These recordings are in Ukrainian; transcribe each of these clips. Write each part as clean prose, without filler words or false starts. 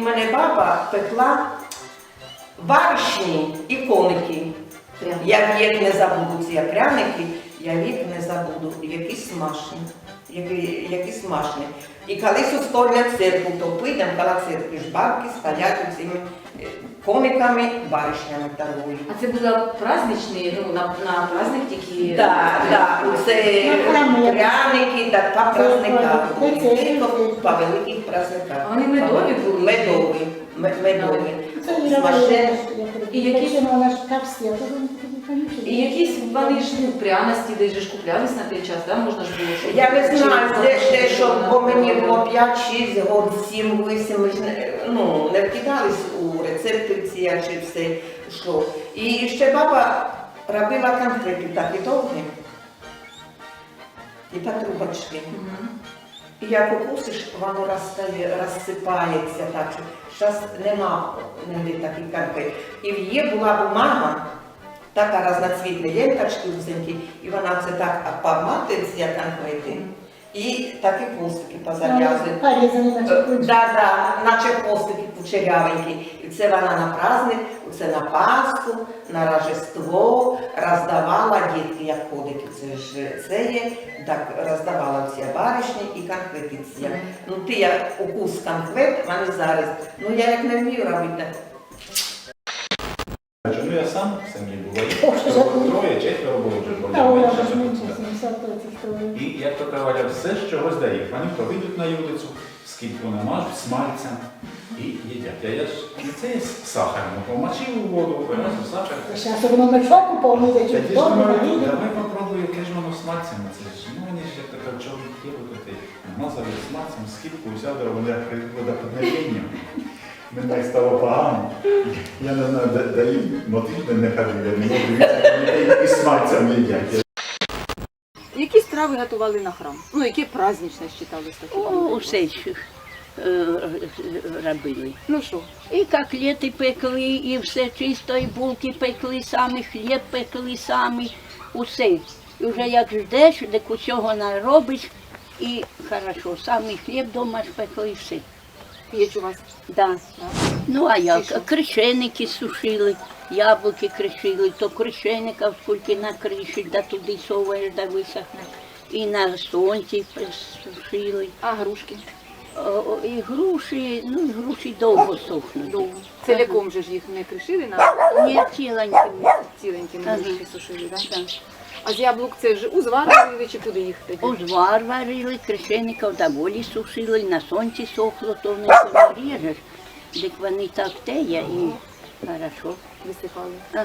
мене баба пекла баришні і коники. Я вік не забуду ці пряники, я вік не забуду, які смачні. Які смачні. І коли суставлять церкву, то підемо коло церкви, ж бабки стоять цими кониками, баришнями торгують. А це було праздничні, ну, на праздник тільки? Так, це пряники, так, по праздниках, тільки по великих праздниках. А вони медові були? Медові. І якісь вони ж, ну, пряності, де ж куплялись на той час, да? Можна ж було, щоб... Я не знаю, де що, бо мені було 5-6 років, 7-8, ми ж не вкидались у рецепти ці, як чи все йшло. І ще баба робила конфети такі довгі, і по трубочки. І як укусиш, воно розсипається так, що зараз нема таких конфет. І в її була бумага, така разноцвітна ленточки узенькі, і вона це так поматує ці конфети. І такі хвостики позав'язують. Да, наче хвостики кучерявенькі. І це вона на праздник, це на Пасху, на Рождество роздавала дітки, як ходить. Це є, так роздавала ці баришні і конфети ці. Ну ти як укус конфет, вони зараз. Ну я як не вмію робити. Ну я сам в сім'ї буваю. Троє, четверо було вже. І як то кажуть, все з чогось дає. Вони то вийдуть на вулицю, скільки намажуть, смальцем і їдять. А я ж не це є сахаром, помочив у воду, виносив сахар. Зараз воно мешок повністю, чи Тоді ж думаю, давай попробую, яке ж воно смальцем. Це ж, ну вони ж як така чорний хліб, намазав смальцем, скільки взяв, вони як водоподнебіння. Мені стало погано. Я не знаю, де їм мотив не кажу, я не можу дивитися, і смальцем їдять. Які страви готували на храм? Ну, які праздничні вважались такі? Усе робили. Ну що? І котлети пекли, і все чисто, і булки пекли самі, хліб пекли самі, усе. І вже як ждеш, де усього наробиш, і хорошо, самі хліб вдома ж пекли, і все. Є у вас? Да. Ну а як? Кришеники сушили, яблуки кришили, то кришеників скільки накришить, да туди соваєш, да висохне. І на сонці сушили. А грушки? І груші довго сухнуть. Довго. Ціляком же ж їх не кришили? Ні, ціленькими. Ціленькими грушки сушили, так? Так. А з яблук це ж узвар варили чи куди їх тоді? Узвар варили, кришеників доволі сушили, на сонці сохло, то в них ріжеш, так вони так теє і хорошо. Висипали. Ага.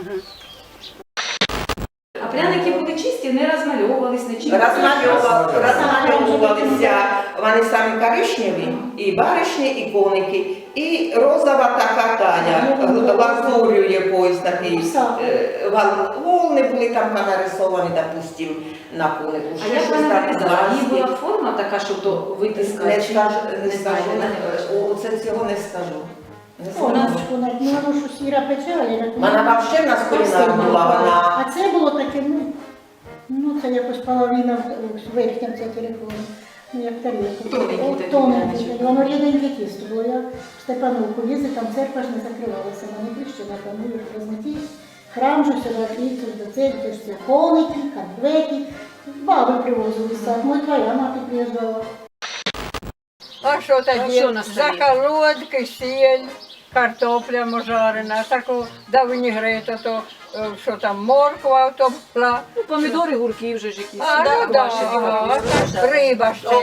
А пряники були чисті, не розмальовувались, не чисті? Розмальовувалися вони самі коричневі, і баришні, і коники, і розова така таня, лазур'ю якоїсь такий. Волни були там нарисовані, допустим, на конику. А як вона виглядала? Її була форма така, щоб до витиска? Не скажу, оце цього не скажу. Вона ж сіра печала. Вона взагалі в нас кулінар була, вона... А це було таке, ну це якось половина верхня ця телефону. Ну як тарілка. Тоненький. Воно рідненьке тісто було. Я в Степановку їздила, там церква ж не закривалася. Вони прийшли на камію, розметі. Храм же сюди прийшли до церкви, це коники, конфети. Баби привозили сад. Твоя мати приїжджала. А що тоді? Заколотки, сіль, картопля можарена, таку давнігрета, то що там, морква, то пла. Ну, помідори, гурки вже ж якісь. А, ну да, риба ще.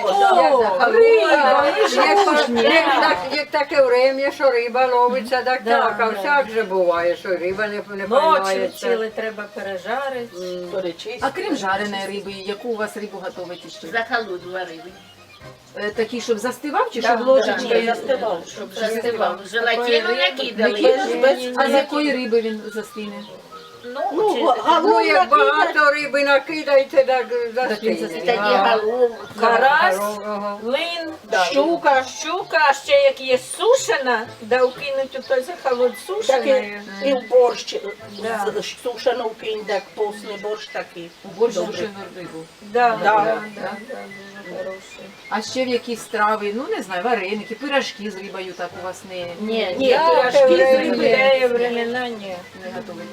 Як таке время, що риба ловиться, так так, а всяк же буває, що риба не приймається. треба пережарити, перечистити. А крім жареної риби, яку у вас рибу готуєте ще? Заколот варили. Такий, щоб застивав чи щоб ложечкою? Застивав, щоб Застивав. Желатину накидали. А з якої риби він застине? Ну, чи- Ну, як багато риби накидаєте, так застигне. тоді голову. Карась, Ага. лин, Да. щука, а ще як є сушена, да вкинуть у той захолод Так сушеної. і в борщ Да. сушену вкинь, так постний борщ такий. Борщ Добре. сушену рибу. Да, Да. дуже хороший. А ще в якісь страви, ну не знаю, вареники, пирожки з рибою так у вас не Ні, Да, пирожки з рибою. времена ні. не готуєте.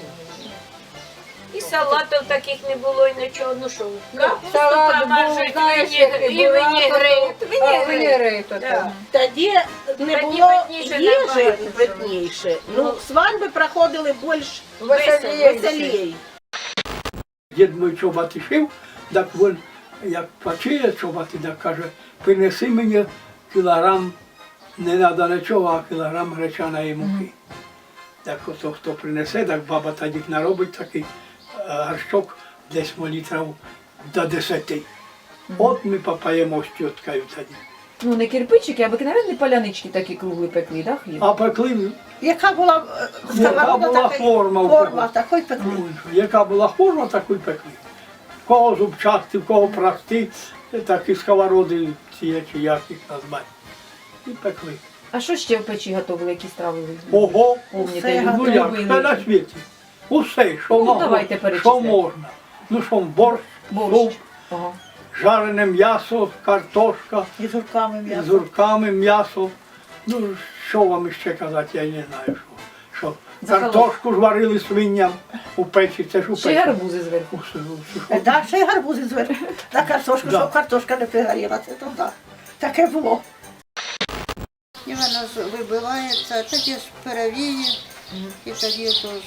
І салатів таких не було, і нічого. Ну що, капусту Салат був, помажуть, знаєш, який і була, винігрет. Винігрет. Да. Тоді не Тоді було питніше їжі набагато питніше. Ну, свадьби проходили більш Веселіше. веселій. Дід мій чоботи шив, так він, як почує чоботи, так каже, принеси мені кілограм, не треба нічого, а кілограм гречаної муки. Так ото хто принесе, так баба тоді наробить такий горшок, десь літрів до 10. От ми попаємо з тіткою тоді. Ну не кирпичики, а обикновенні палянички такі круглі пекли, да, хліб? А пекли, Яка була яка була форма у форма, кого. такої пекли. Ну, яка була форма, таку й пекли. В кого зубчасті, в кого прості, такі сковороди, ці чи як їх назвати. І пекли. А що ще в печі готували, які страви ви? Ого, Помните, ну як, все на світі. Усе, що Ну, можна, давайте що перечисляйте. можна. Ну що, борщ, Борщ. суп, Ага. жарене м'ясо, картошка, І з урками з м'ясо. зурками м'ясо. Ну, що вам ще казати, я не знаю, що. Захолод. Картошку ж варили свиням у печі, це ж у Ще печі. гарбузи зверху. Да, ще й гарбузи зверху. На картошку, Да. щоб картошка не пригоріла, це то так. Таке було. І вона ж вибивається, тоді ж перевіє, і тоді то ж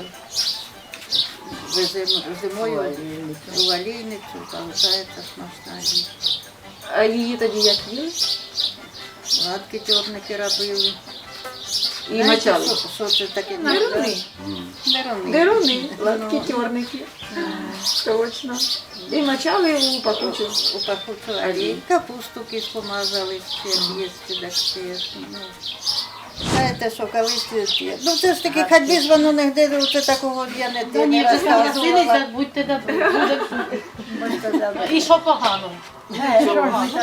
уже зимою у валійницю залишається смачна їжа. А її тоді як їли? Гладкі чорники робили. І мочали. Що це таке? Деруни. Деруни. Деруни, гладкі тюрники. Точно. І мочали у пакучу. У пахучу олій. Капусту кисло мазали, ще їсти, так ще. Ну. Знаєте, що колись, ну це ж таки, хоч би ж воно не де, це такого я не розказувала. будьте добрі. І що погано? Як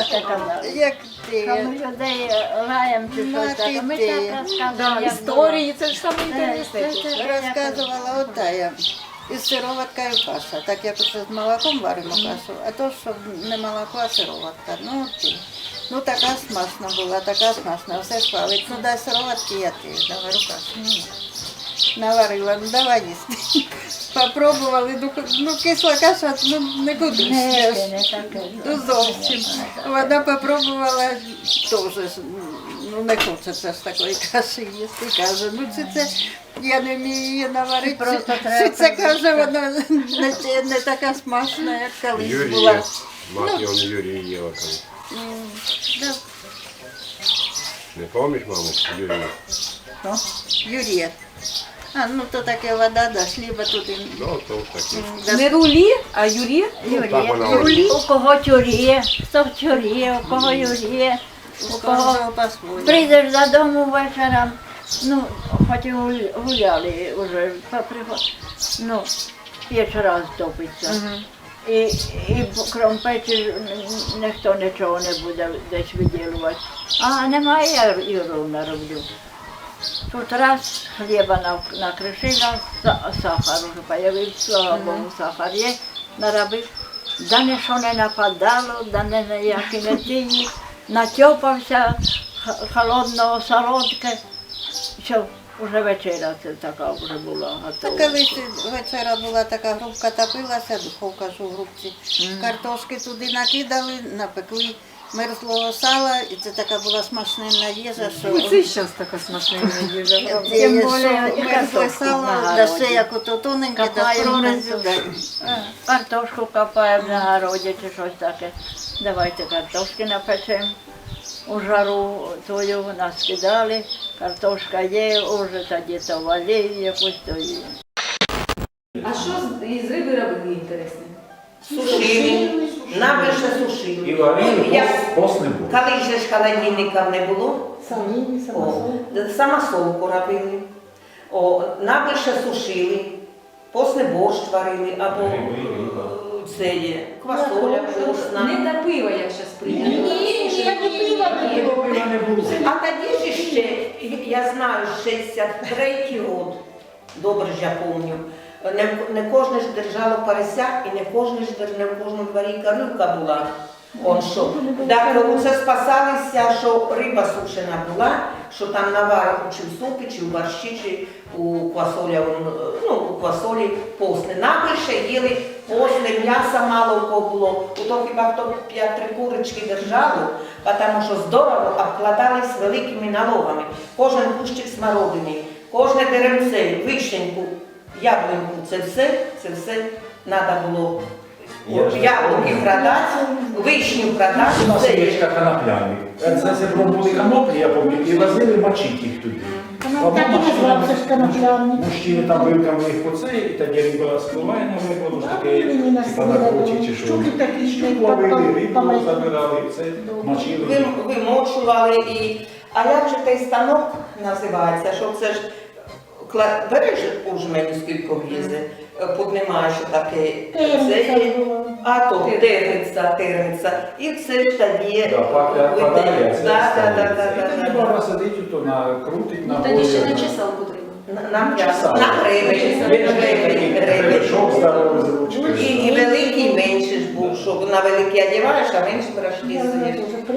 ти? Ми людей лаєм чи щось таке. Ми так розказуємо. як Історії, це ж саме було. інтересне. Розказувала отая. Із сироваткою каша, так як оце з молоком варимо кашу, а то, що не молоко, а сироватка. Ну така смачна була, така смачна, все хвалить. Ну дай сироватки, я ти наварю кашу. Наварила, ну давай їсти. Попробували, ну кисла каша, ну не кудись. Не таке. Ну зовсім. Вона попробувала теж, ну не хочеться ж такої каші їсти. Каже, ну це я не вмію її наварити. Просто Чи треба це каже, вона не така смачна, як колись була. Юрія, мати он Юрієва колись. Да. Не пам'ятаєш, маму, Юрія? Юрія. А, ну то таке вода, да, хліба тут. Ну, то таке. Не рулі, а юрі. Так вона Юрій. У кого тюрє, хто в тюрє, у кого юрє, У у кого кожного по-своєму. прийдеш додому вечором, ну, хоч і гуляли вже, ну, вечора стопиться. І крім печі ніхто нічого не буде десь виділувати. А немає, я і ровно роблю. Тут раз хліба накришила, сахар вже появився, слава Богу, сахар є, наробив. Да нічого не нападало, да ніякі не тіні, натьопався холодного солодке. Що, вже вечеря це така вже була Та готова. колись вечора була така грубка, топилася, духовка ж у грубці. Картошки туди накидали, напекли мерзлого сала, і це така була смачненна їжа, що... Це зараз така смачна їжа. Тим Тим більше більше і мерзле картошку сало, на да городі. ще як ото тоненьке, да Копаємо прорезю, да. Картошку копаємо на городі чи щось таке. Давайте картошки напечемо. У жару тою нас кидали, картошка є, уже тоді то валію якусь то є. А що із риби робили інтересне? Сушили, нам більше сушили. І варили, Як- пост не було. Коли ж холодильника не було, Самі, самосолку робили. Нам більше сушили. постний борщ варили, або це є, квасоля вкусна. Не до пива, як зараз прийнято. Ні, я не пила, не було. Не було. А тоді ж ще, я знаю, 63-й рік, добре ж я пам'ятаю, не кожне ж держало поросят і не в кожному дворі корівка була. Он що. Так це спасалися, що риба сушена була, що там наварив чи в супі, чи в борщі, чи у квасолі, у квасолі постне. Найбільше їли постне, м'яса мало у кого було. У то хіба хто 5-3 курочки держало, тому що здорово обкладались великими налогами. Кожен кущик смородини, кожне деревце, вишеньку, яблуньку, це все треба було. Яблуки продати, вишню У продати. нас є конопляник. Це були коноплі, я пам'ятаю, і возили мочити їх туди. Так і називався ж коноплянник. Мужчини там вилками їх по це, і тоді риба спливає на вибору, ж таке, типа на круті чи що. Щуки такі, що Щук ловили, рибу забирали, це мочили. Вимочували і. А як же той станок називається? Що це ж береш у жмені скільки влізе, піднімаєш таке, це є, а то терниця, і це ж тоді Падає, це да. І тоді баба сидить, то накрутить, на Тоді ще на чесалку треба. На гребень. Шов здоровий з ручкою. І великий менше ж був, що на великий одягаєш, а менше пирожки з'їш.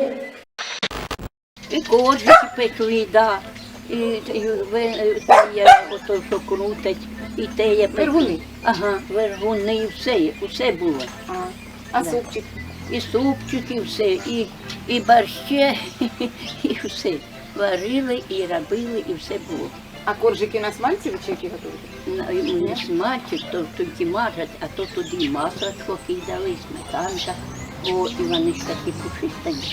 І коржики пекли, да. І ото, що крутить, і те є пекли. Вергуни? Ага, вергуни, все було. А Да. супчик? І супчик, і все, і борще, і все. Варили, і робили, і все було. А коржики на смальці ви чи які готуєте? Не смачать, то тільки мажать, а то туди масло кидали, сметанка, і вони ж такі пушистенькі.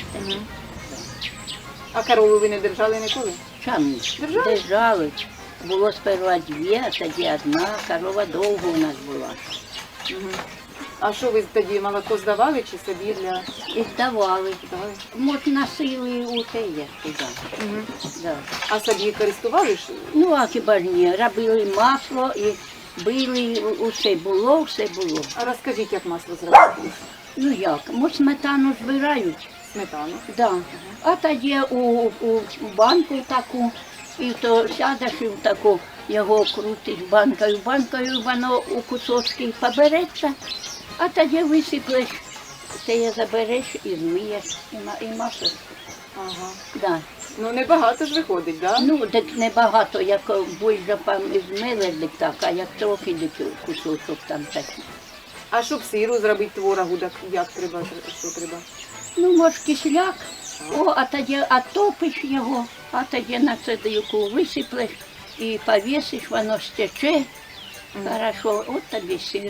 А корову ви не держали ніколи? Чам держали. Було сперва 2, а тоді 1, корова довго у нас була. А що ви тоді молоко здавали чи собі для... І давали. Можна сили у те є туди. Да. А собі користували ж? Ну, а хіба ж ні, робили масло і били, все було. А розкажіть, як масло зробити? Ну як, сметану збирають. Сметану? Да. А тоді у банку таку, і то сядеш і в таку його крутиш банкою, воно у кусочки побереться, а тоді висиплеш, те забереш і змиєш, і масло. Ага. Да. Ну небагато ж виходить, так? Да? Ну, так небагато, як більше змили, так, а як трохи кусочок там такий. А щоб сиру зробити творогу, так як треба, що треба? Ну, може, кисляк, а тоді отопиш його, а тоді на цедилку висиплеш і повісиш, воно стече. Хорошо, от тобі сир.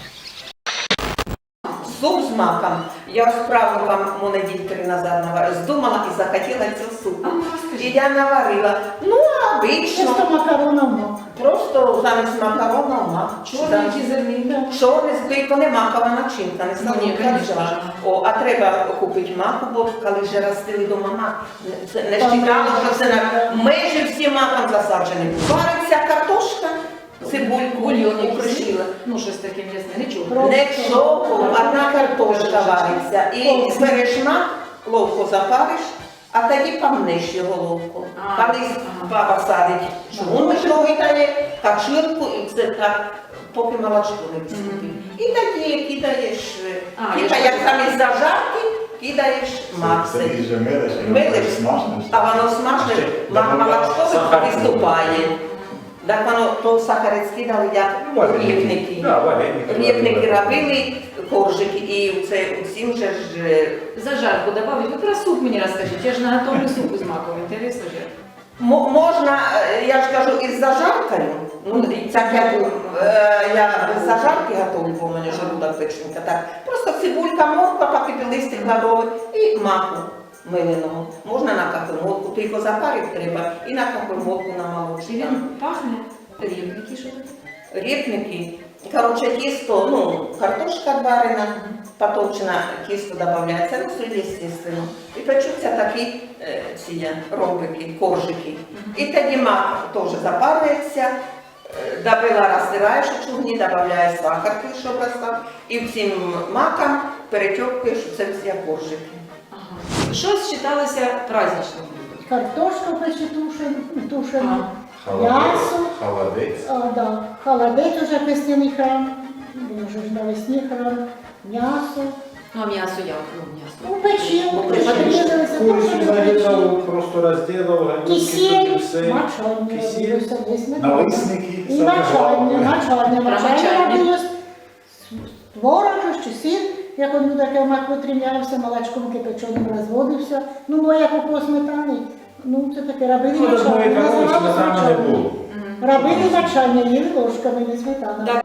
Суп з маком. Я справу вам неділі 3 назад наварила. Здумала і захотіла цю суп. І я наварила. Ну, обично. Просто макароном мак. Просто замість макарону мак. Чорний чи зерний? Чорний збий, то не макова начинка, не знаю. А треба купити маку, бо коли вже ростили дома мак, не вважало, що це майже всі маком засаджені. Вариться картошка, цибульку, бульйон укришила. Ну, щось таке м'ясне, нічого. Нічого, одна картошка вариться. І береш мак, ловко запариш, а тоді помнеш його ловко. Колись баба садить чугун мішовий дає, качурку, і це так, поки молочко не виступить. І тоді кидаєш, як там із зажарки, кидаєш мак. Ти ж Милиш, а воно смажне, молочко виступає. Так воно то сахарець кидали, як рівники. Рівники робили, коржики, і усім же ж... Зажарку добавить. Ви про суп мені розкажіть. Я ж наготовлю суп з маком. Інтересно же. Можна, я ж кажу, із зажаркою. Ну, так я зажарки готовлю, бо у мене желудок печенька. Так. Просто цибулька, морква, пакети листик лавровий і маку миленого. Можна на кахемолку, тільки запарити треба, і на кахемолку на молочку. Він пахне рівники, що таке? Репники. Короче, тісто, картошка варена, потовчена, тісто додається, соль, естественно. І печуться такі ромбики, коржики. І тоді мак теж запарюється, Добила, розтираєш у чугуні, додаєш сахарки, щоб розстав, і всім маком перетьопкаєш це всі коржики. Що считалося праздничним блюдом? Картошка пече тушена, м'ясо, Холодець. да, холодець уже песняний храм, вже ж навесні храм, м'ясо. Ну, а м'ясо як? Ну, м'ясо. Ну, печінку, подрізалися, Курицю тушена нарізав, печінку. просто розділив, ганюки, Кисіль, все. мочання Кисіль, робилося десь на налисники, і саме головне. мочання робилось. Творог чи сир, як він таке мак витримлявся, молочком кипяченим розводився. Ну, як около сметани. Ну, це таке робили Ну, мочання. такої корові Називалося сметани не мочання. було. Робили мочання, їли ложками, не сметана. Да.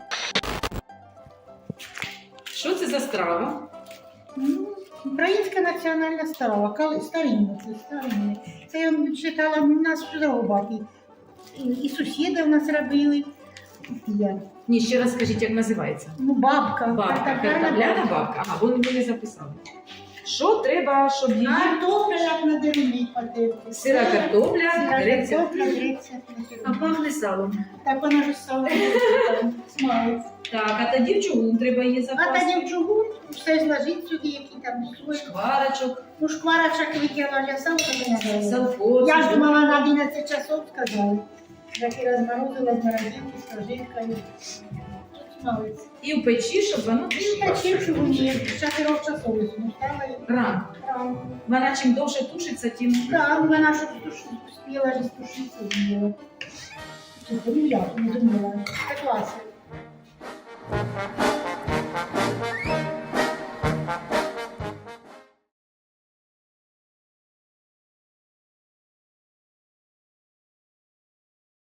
Що це за страва? Ну, українська національна страва, старинна, це старинна. Це я читала, у нас зробати. І сусіди в нас робили. Я. Ні, ще раз скажіть, як називається? Ну, бабка. Бабка, картопляна бабка. Ага, ви не записали. Що треба, щоб її... Картопля, як на деревні потерпи. Сира картопля, греця. Картопля, греця. А пахне салом. Так вона ж сало смалить. Так, а тоді в чугун треба її А запасти. тоді в чугун все зложить сюди, які там слой. Шкварочок, Ну, шкварочок викинула, я сам не знаю. салфот. Я ж думала на 11 часов, сказали. Так і розморозила з морозилки, з прожиткою. Тут смалиться. І в печі, щоб воно... І печі в чугуні, з 4 часов стала і Рано. рано. Вона чим довше тушиться, тим... Да, вона щоб успіла ж стушитися зміла. Ну, я не думала. Це класно.